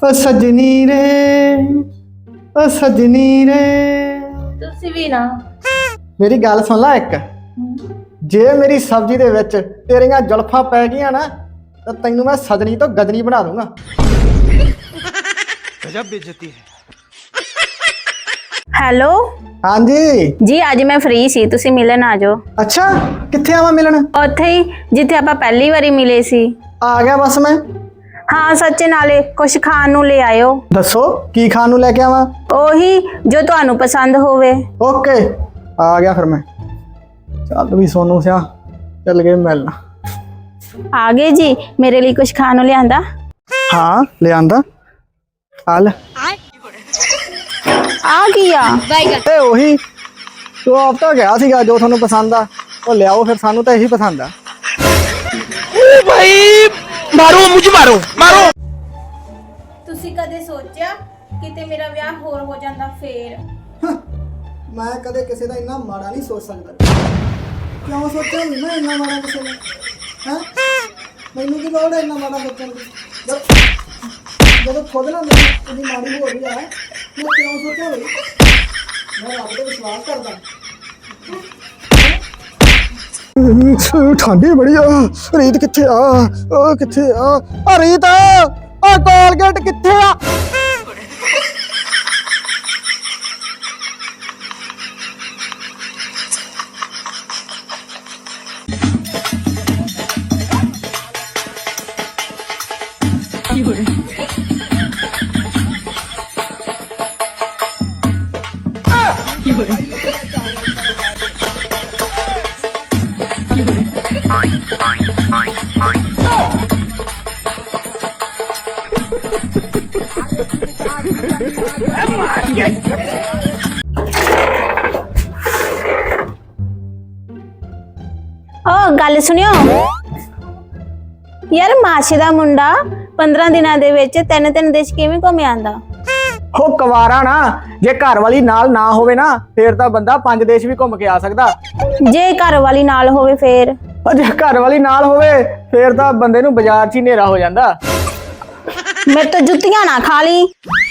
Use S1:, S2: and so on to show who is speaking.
S1: ओ सजनी रे, ओ सजनी रे।
S2: ਤੁਸੀਂ ਵੀ ਨਾ
S1: मेरी गल सुन ला एक, जे मेरी सब्जी दे विच तेरियां जुल्फां पै गईयां ना तो तैनू मैं सजनी तो गजनी बना दूंगा।
S3: गजब बेइज्जती है।
S2: ਹੈਲੋ
S1: हाँ जी।
S2: ਜੀ ਅੱਜ ਮੈਂ ਫ੍ਰੀ ਸੀ, ਤੁਸੀਂ ਮਿਲਣ ਆ ਜਾਓ।
S1: अच्छा कित्थे आवां मिलन?
S2: ਉੱਥੇ ਹੀ ਜਿੱਥੇ ਆਪਾਂ ਪਹਿਲੀ ਵਾਰੀ ਮਿਲੇ ਸੀ।
S1: आ गया बस मैं।
S2: ਹਾਂ ਸੱਚ, ਨਾਲੇ ਕੁਝ ਖਾਣ ਨੂੰ ਲੈ ਆਇਓ।
S1: दसो की खान नूं लैके आवां?
S2: ਉਹੀ ਜੋ ਤੁਹਾਨੂੰ ਪਸੰਦ ਹੋਵੇ।
S1: ओके आ गया फिर मैं। चल भी सोनू सिया चल गए मिलना।
S2: ਆ ਗਏ ਜੀ, ਮੇਰੇ ਲਈ ਕੁਝ ਖਾਣ ਨੂੰ ਲਿਆਂਦਾ?
S1: हाँ ले आंदा आल
S2: ਆ ਗਿਆ
S1: ए ओही तू आप तो गया सीगा जो थानू पसंद आ वो ले आओ, फिर सानू तो यही पसंद आ।
S3: ओ भाई मारो, मुझे मारो मारो।
S2: ਤੁਸੀਂ ਕਦੇ ਸੋਚਿਆ ਕਿਤੇ ਮੇਰਾ ਵਿਆਹ ਹੋਰ ਹੋ ਜਾਂਦਾ ਫੇਰ?
S1: मैं कदे किसी का इन्ना माड़ा नहीं सोच सकता। क्यों सोचा नहीं मैं इन्ना माड़ा किसी ने? हैं मैनू की लोड़ है इन्ना माड़ा सोचने की? जब खुद ना मेरी इतनी माड़ी हो रही है मैं क्यों सोचा भाई? मैं रब पे विश्वास करदा। ठंडी बड़ी आ। रीत किथे आ? ओ किथे आ रीत? आ कोलगेट किथे आ?
S2: ਓ ਗੱਲ ਸੁਣਿਓ ਯਾਰ, ਮਾਸ਼ੇ ਦਾ ਮੁੰਡਾ 15 ਦਿਨਾਂ ਦੇ ਵਿੱਚ ਤਿੰਨ ਦੇਸ਼ ਕਿਵੇਂ ਘੁੰਮ ਆਂਦਾ?
S1: हो कवारा ना, जे घर वाली नाल ना होवे ना फिर तां बंदा 5 देश भी घूम के आ सकदा।
S2: ਜੇ ਘਰ ਵਾਲੀ ਨਾਲ ਹੋਵੇ ਫੇਰ?
S1: और जे घर वाली नाल होवे फिर तां बंदे नूं बाजार 'ਚ ही नेरा हो जांदा।
S2: ਮੇਰੇ ਤੋਂ ਜੁੱਤੀਆਂ ਨਾ ਖਾ ਲਈ।